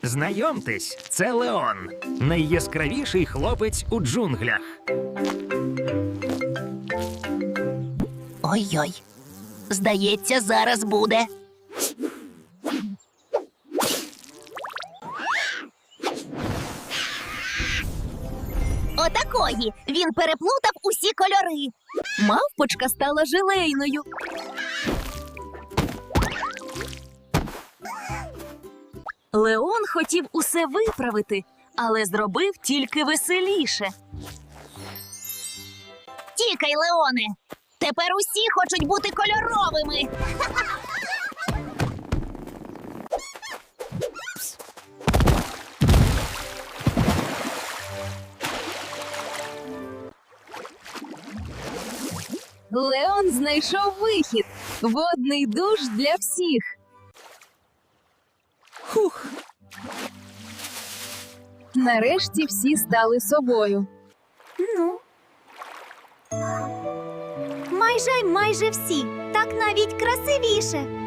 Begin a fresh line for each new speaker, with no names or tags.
Знайомтесь, це Леон, найяскравіший хлопець у джунглях.
Ой-ой, здається, зараз буде. Отакої! Він переплутав усі кольори.
Мавпочка стала желейною. Леон хотів усе виправити, але зробив тільки веселіше.
Тікай, Леоне! Тепер усі хочуть бути кольоровими.
Леон знайшов вихід – водний душ для всіх. Хух! Нарешті всі стали собою.
Ну. Майже всі. Так навіть красивіше.